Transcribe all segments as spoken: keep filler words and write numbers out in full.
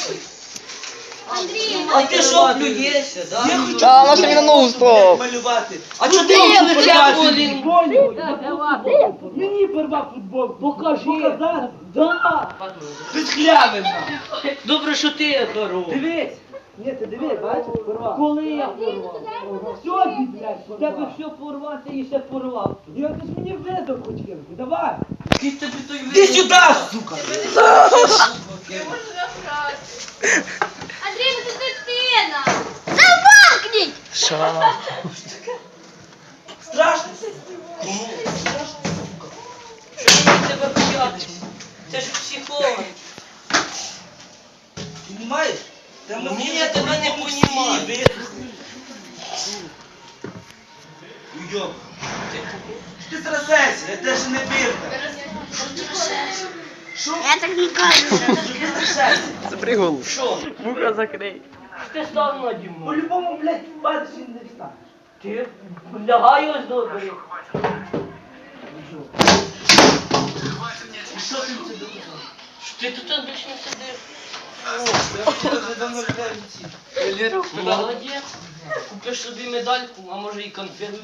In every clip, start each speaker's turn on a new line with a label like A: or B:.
A: Андрій,
B: А ти що плюєшся, да?
C: Я хочу
D: Та, вона собі на ногу став.
C: малювати.
B: А чого ти його порвати?
C: Мені порвав футболку. Покажи. Показати? Да. Ти схлявив нам.
B: Добре, що ти здоров.
C: Дивись. Ні, ти дивись, бачиш, порвав. Коли я порвав? Сьогодні, блядь,
B: У тебе все порвати і ще порвав.
C: Я ти ж мені везов хоч кинути, давай.
B: Ти тобі той
C: Ти сюди, сука.
A: Андрій, ви тут дитина! Замовкніть!
D: Що?
C: Страшно?
B: Кому? Що мені тебе боятися? Це ж психолог.
C: Понимаєш?
B: Ні, я тебе не понімаю.
C: Уйоб. Ти трясешся, я теж не бирка. Що?
A: Я так не кажу.
C: Що ти трясешся?
D: Це пригол.
B: Що?
D: Вуха закрий.
B: Ти став наді мною.
C: По-любому, блядь, падаєш і не встанеш.
B: Ти лягай ось добре.
C: І що ти це доказав?
B: Що ти тут більше не сидиш?
C: Я вже давно гуляю в ці.
B: Молодець. Купиш собі медальку, а може і конфету.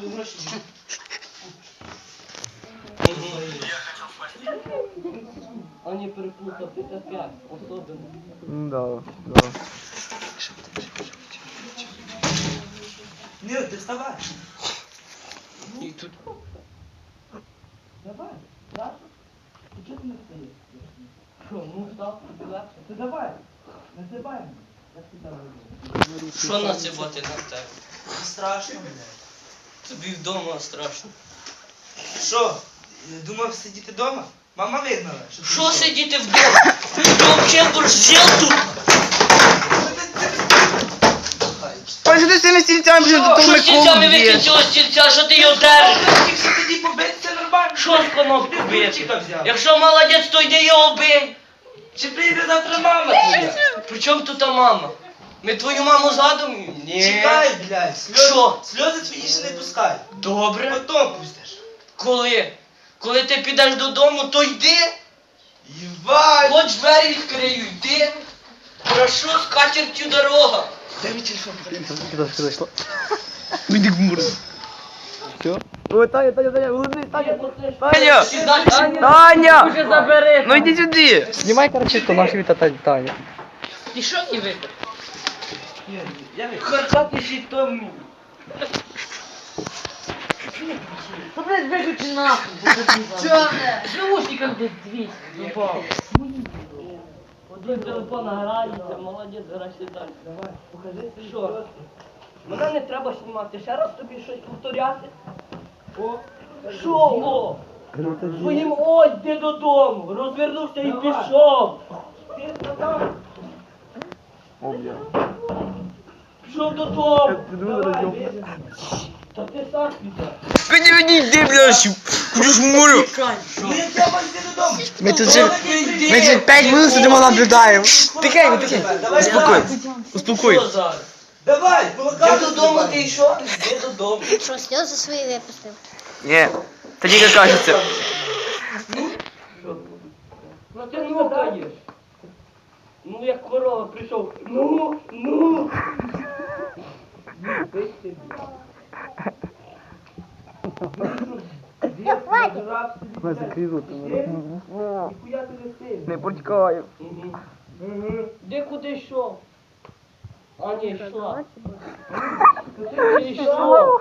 B: А не переплутав, ти опять особливо.
D: Да, да.
C: Ні, ти вставай.
B: І тут
C: Давай. Так? Ти чого ти не встаєш?
B: що, ну став, тобі легше.
C: Ти давай. Називай мене. Я тебе веду.
B: Що насипати на тебе?
C: Не страшно, блядь.
B: Тобі вдома страшно.
C: Що? Думав сидіти вдома? Мама вигнала. Що ти
B: Що
C: пішов?
B: сидіти вдома? Ти взагалі борщел тут?
D: Ой, що ти з цими стільцями, блін, до того
B: Що стільцями
D: Миколу
B: викинь
D: б'єш?
B: цього стільця, що ти його держиш?
C: Якщо тоді побитися нормально.
B: Що з конопку
C: Ти
B: бити?
C: ключика взяв.
B: Якщо молодець, то йди його бий.
C: Чи прийде завтра мама твоя?
B: При чому тут та мама? Ми твою маму згадуємо? Ні.
C: Чекай, блядь. Сльози,
B: Що?
C: сльози твої ще не пускай.
B: Добре.
C: Потом пустиш.
B: Коли? Коли ти підеш додому, то йди.
C: Єбать.
B: Хоч двері відкрию, йди. Прошу, з катертю дорога.
C: Дай мені телефон.
D: Куди ж зайшло? Іди в муру. Все? Ой, Таня, Таня, Таня, вилазь, Таня. Таня!
B: Сідай,
D: Таня!
B: Уже забери.
D: Ну йди сюди. Знімай, короче, то наш віта Таня.
B: І що не випив?
C: Я вийду.
B: Харкати ще то мені.
E: Та, блядь, виключи нахуй.
B: Чого? З наушником десь двісті. Упав. Один телефон грається, молодець, грайся далі.
C: Давай, покажи.
B: Що? Мене не треба знімати. Ще раз тобі щось повторяти.
C: О,
B: Що? О? Своїм ой, йди додому. Розвернувся і
C: Давай.
B: пішов.
C: ти сказав.
D: О, бля.
B: Пішов додому.
C: Давай,
B: Та ти сам піде.
D: Піди, піди, йди, бля, куди ж муру.
C: Ну я треба йти додому.
D: Ми тут вже, ми вже п'ять минут сидимо наблюдаємо. Тихенько, тихенько.
C: Давай,
D: Успокой,
C: давай.
D: успокой.
B: Що зараз?
C: Давай,
B: Ти
C: блокаду
B: додому ти йшов? Йди додому.
A: Що, сльози свої випустив?
D: Ні, тоді як кажеться.
B: Ну ти нукаєш. Ну як корова прийшов. Ну, ну.
D: Ми закрили.
C: Ніхуя ти не сильний.
D: Не потікаю.
B: Де куди йшов? А ні, йшла. Куди ти йшов?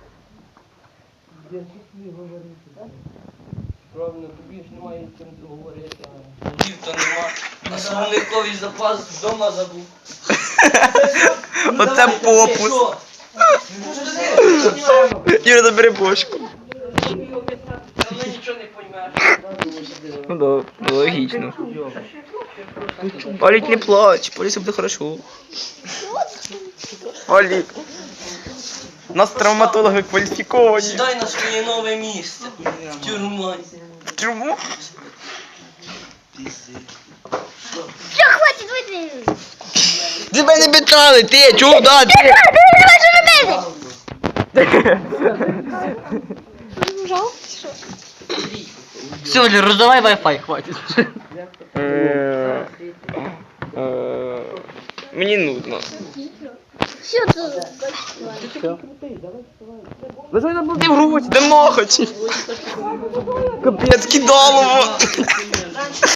C: Я чесно говорити.
B: Правильно, тобі ж немає з чим говорити. Дів то нема. А словниковий запас вдома забув.
D: Оце попус.
B: Що?
D: Юра, забери бошку.
B: Тобі обіцяти, та ми нічого не поймеш.
D: Ну да, ну, логічно. Олік, не плач, поліція буде хорошо. Олік. У нас травматологи кваліфіковані.
B: Сідай на своє нове місце. В тюрму.
D: В тюрму?
A: Все, хватить, вийди!
D: Тебе не питали, ти, чого, да, ти?
A: Ти не можеш робити! Жал? Що?
E: Все, Лер, роздавай Wi-Fi, хватит.
D: Е, е, Мені нудно.
A: Що це?
D: Лежай на боді в грудь, де ноготь. Капець, кидалово.